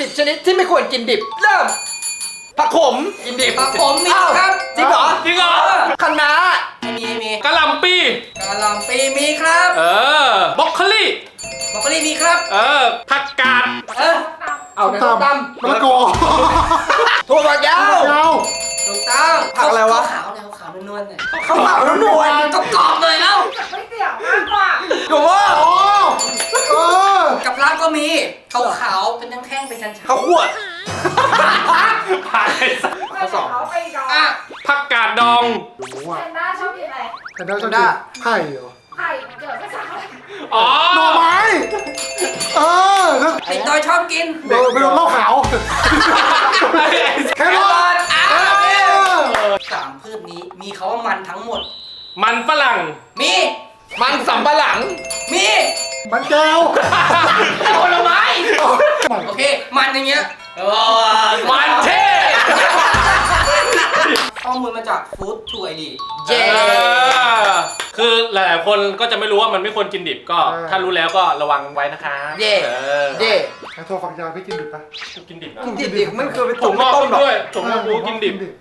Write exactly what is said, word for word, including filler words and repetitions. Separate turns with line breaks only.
สิบชนิดที่ไม่ควรกินดิบเริ่มผักขมกินดิบ
ผักผมมีครับ
จริงเหรอ
จริงเหรอ
คะน้า
ไม่มีไม่มี
กะหล่ำปี
กะหล่ำปีมีครับ
เออบรอกโคลี
บรอกโคลีมีครับ
เออผักกาด
เออ
เอาในต้มต
มะละกอ
ำถั่วฝักยาว
ยาว
ถูกต้อง
ผักอะไรวะ
ขาวๆเนี่ยขาวๆนวลๆเนี่ย
ข้าวเปล่าแล้วนวล
ต้องกรอบเลยเอ้า
ไม่เสี่ยงมากกว่า
ถูกว่า
อ๋อเออ
กับร้านก็มีขาวๆเป็นแท่งๆเป็นชั้นๆ
ข้าวคั่ว
ผ่านไปสัก
ไม่แต่เขาไปดอง
อ่ะ
ผักกาดดอง
รู้
แพ
ว่ะ
นด้าชอบกินอะไร
แต่ได้ชอบกินไข่เหรอ
ไข่มันเกิดไม่สักอะไร
อ๋อ
หน่อไม้เออแล้ว
ไอ้ตอยชอบกิน
เออไปโดนเหล้าขาวแค่รอด
อ่ะ
เออ
สามพืชนี้มีเขาว่ามันทั้งหมด
มันฝรั่ง
มี
มันสำปะหลัง
มี
มันแก้ว
ผลไม้
มัน
โอเค มันอย่างเงี้ยเออ
มันเท่
ข้อมูลมาจากฟู้ดทูไอดี
เย้
เออคือหลายๆคนก็จะไม่รู้ว่ามันไม่ควรกินดิบก็ ถ้ารู้แล้วก็ระวังไว้นะคะ
เย่
เออ
เย่
ไอ้ถั่วฝักยาวพี่กินดิบปะ
กูกินดิบนะ
กินดิบๆมันคือไป
ถั่
ต้
ว
ม
งอก
ต้มหรอ
ด้วยถั่วงอกกูกินดิบ